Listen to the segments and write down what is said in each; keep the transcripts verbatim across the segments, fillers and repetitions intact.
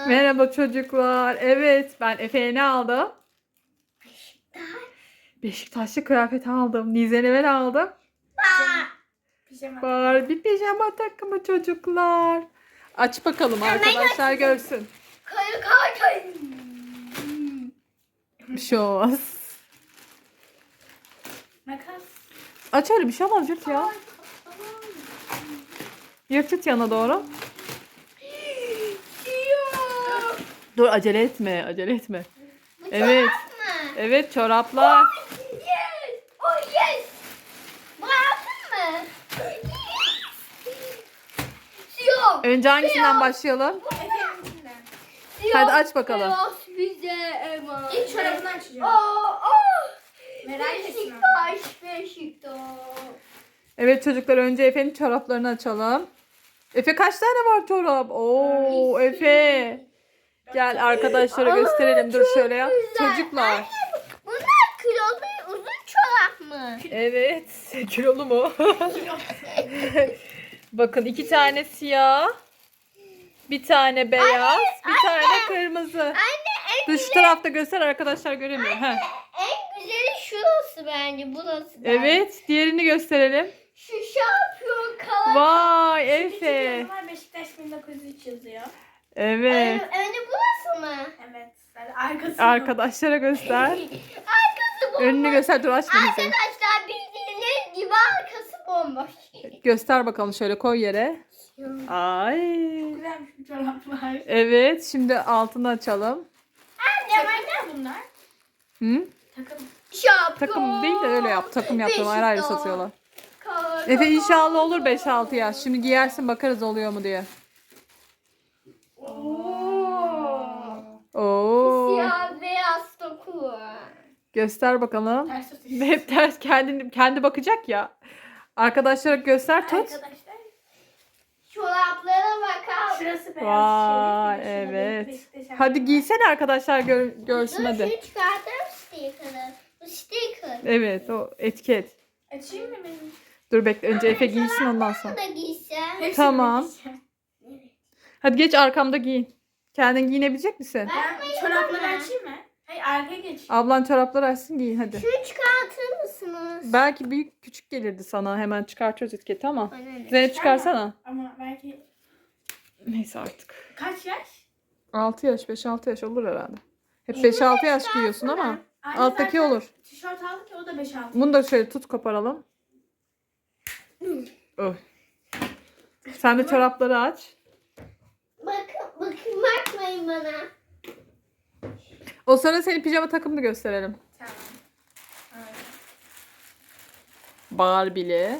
Merhaba çocuklar. Evet, ben Efe'ye ne aldım? Beşiktaş. Beşiktaşlı kıyafet aldım. Nizen'e ben aldım. Pijama. Barbie pijama takımı çocuklar. Aç bakalım arkadaşlar görsün. Kayı kay kay. Bir şey olmaz. Makas. Aç öyle bir şey olmaz yırt ya. Yırt yırt yana doğru. Siyah. Dur acele etme acele etme. Bu Evet. çorap mı? Evet çoraplar. Yes. Oh yes. Bu altın mı? Yes. Siyah. Önce hangisinden başlayalım? Efendimden. Hadi aç bakalım. Beyaz bize emanet. İlk çorabını açacağım. Aa, aa. Merak etme. Beşiktaş, Beşiktaş. Evet çocuklar önce Efe'nin çoraplarını açalım. Efe kaç tane var çorap? Oo Efe. Gel arkadaşlara gösterelim. Dur şöyle yap. güzel. Çocuklar. Bunlar kilolu uzun çorap mı? Evet. Kilolu mu? Bakın iki tane siyah. Bir tane beyaz. Bir tane kırmızı. Anne en, Dur şu tarafta göster arkadaşlar göremiyor. Heh. en güzeli şurası bence. Burası bence. Evet. Diğerini gösterelim. Şu şampiyon kalan. Vay İki Efe. tane var, Beşiktaş bin dokuz yüz üç yazıyor. Evet. Ön- Önü burası mı? Evet. Yani arkası. Arkadaşlara göster. Arkası bomboş. Önünü göster. Dur açma bizi. Arkadaşlar bildiğiniz gibi arkası bomboş. Göster bakalım şöyle koy yere. Ay. Güzelmiş bir çoraplar. Evet. Şimdi altını açalım. Anne Takım ne bunlar? Hı? Takım. şampiyon. Takım değil de öyle yap. Takım yaptım. Ayrı ayrı Beşiktaş. satıyorlar. Kalan. Efe inşallah olur beş altı yaş. Şimdi giyersin bakarız oluyor mu diye. Oo. Oo. Siyah beyaz doku. Göster bakalım. Ters tut. Hep ters kendi kendi bakacak ya. Arkadaşlara göster tut. Arkadaşlar. Çoraplara bakar. Şurası beyaz. Vay şerif, şurada evet. Beşiktaş Hadi var. giysene arkadaşlar gör, görsün Dur hadi. şunu çıkartırım sticker'ı. Bu sticker. Evet o etiket. Açayım mı benim? Dur bekle önce Efe giysin ondan sonra. Bunu da giysem. Hepsini Tamam. giyeceğim. Hadi geç arkamda giyin. Kendin giyinebilecek misin? Ben çorapları açayım mı? Hayır arkaya geç. Ablan çorapları açsın giyin hadi. Şunu çıkartır mısınız? Belki büyük küçük gelirdi sana. Hemen çıkartıyoruz etiketi ama. Bana ne? Zeynep çıkarsana. Ama belki Neyse artık. kaç yaş? altı yaş beş altı yaş olur herhalde. Hep beş altı yaş giyiyorsun ama. Anne Alttaki zaten olur. Tişört aldık ya o da beş altı. Bunu da şöyle tut koparalım. Oy. Sen de çorapları aç. Bakın, bakın bakmayın bana. O sonra senin pijama takımını gösterelim. Tamam. Evet. Barbie'li.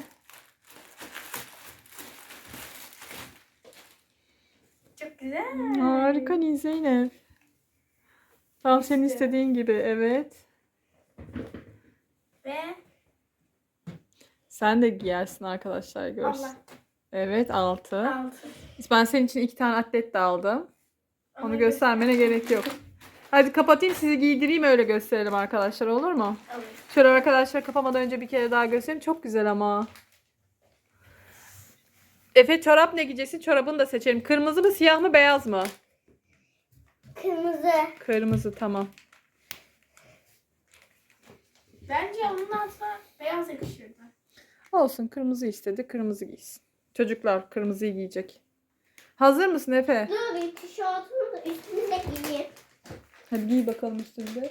Çok güzel. Harika Nil Zeynep. Tam senin istediğin gibi evet. Ve Sen de giyersin arkadaşlar görsün. Allah. Evet altı. Altı. Ben senin için iki tane atlet de aldım. Onu Onu göstermene gerek yok. Hadi kapatayım sizi giydireyim öyle gösterelim arkadaşlar olur mu? Alır. Şöyle arkadaşlar kapamadan önce bir kere daha göstereyim. Çok güzel ama. Efe çorap ne giyeceksin? Çorabını da seçelim. Kırmızı mı siyah mı beyaz mı? Kırmızı. Kırmızı tamam. Bence onun altına beyaz yakışırdı. Olsun kırmızı istedi. Kırmızı giysin. Çocuklar kırmızıyı giyecek. Hazır mısın Efe? Dur bir tişörtümü de üstümü de giyeyim. Hadi giy bakalım üstünde.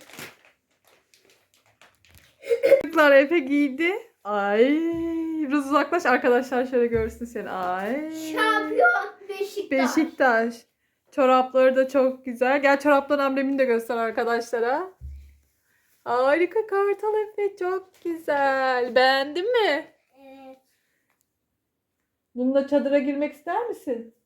Çocuklar Efe giydi. Ay, biraz uzaklaş arkadaşlar şöyle görsün seni. Ay. Şampiyon Beşiktaş. Beşiktaş. Çorapları da çok güzel. Gel çorapların amblemini de göster arkadaşlara. Harika Kartal Efe çok güzel. Beğendin mi? Evet. Bununla çadıra girmek ister misin?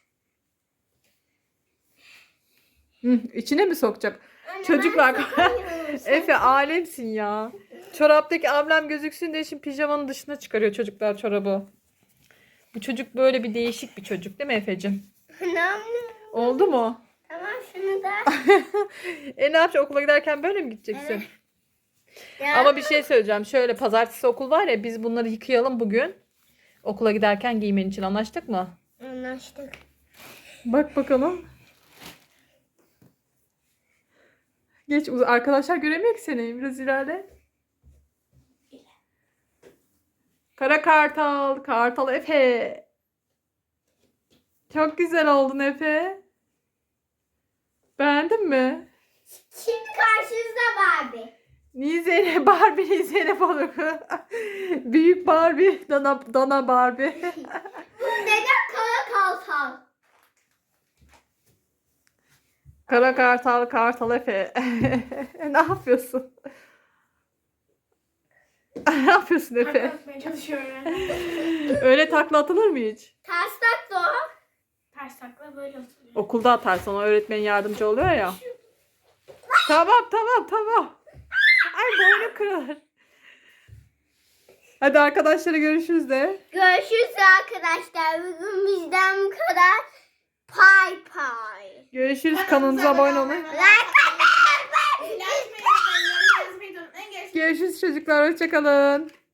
Hı, içine mi sokacak? Anne, Çocuklar. ben sokamıyorum. Efe alemsin ya. Çoraptaki amblem gözüksün diye şimdi pijamanın dışına çıkarıyor çocuklar çorabı. Bu çocuk böyle bir değişik bir çocuk değil mi Efe'cim? Anam. Oldu mu? Tamam şunu da. E ne yapacaksın okula giderken böyle mi gideceksin? Ya, Ama bir şey söyleyeceğim. Şöyle pazartesi okul var ya biz bunları yıkayalım bugün. Okula giderken giymen için anlaştık mı? anlaştık. Bak bakalım. Geç uz- arkadaşlar göremiyor ki seni. Biraz ilerle. Kara kartal, kartal Efe. Çok güzel oldun Efe. Beğendin mi? Şimdi karşınızda Barbie. Nizene Barbie, Nizene balık. Büyük Barbie, Dana, Dana Barbie. Neden kara kalsal? Kara kartal, kartal Efe. Ne yapıyorsun? Ne yapıyorsun Efe? Takla atmaya çalışıyorum yani. Öyle takla atılır mı hiç? Ters tak da o. Ters takla böyle oturuyor. Okulda atarsan o öğretmen yardımcı oluyor ya. Tamam tamam tamam. Ay boynu kırılır. Hadi arkadaşlara görüşürüz de. Görüşürüz arkadaşlar. Bugün bizden bu kadar. Pay pay. Görüşürüz, kanalımıza abone olun. Like atmayı Zil açmayı unutmayın, yorum yazmayı da unutmayın. Görüşürüz. Görüşürüz çocuklar, hoşçakalın.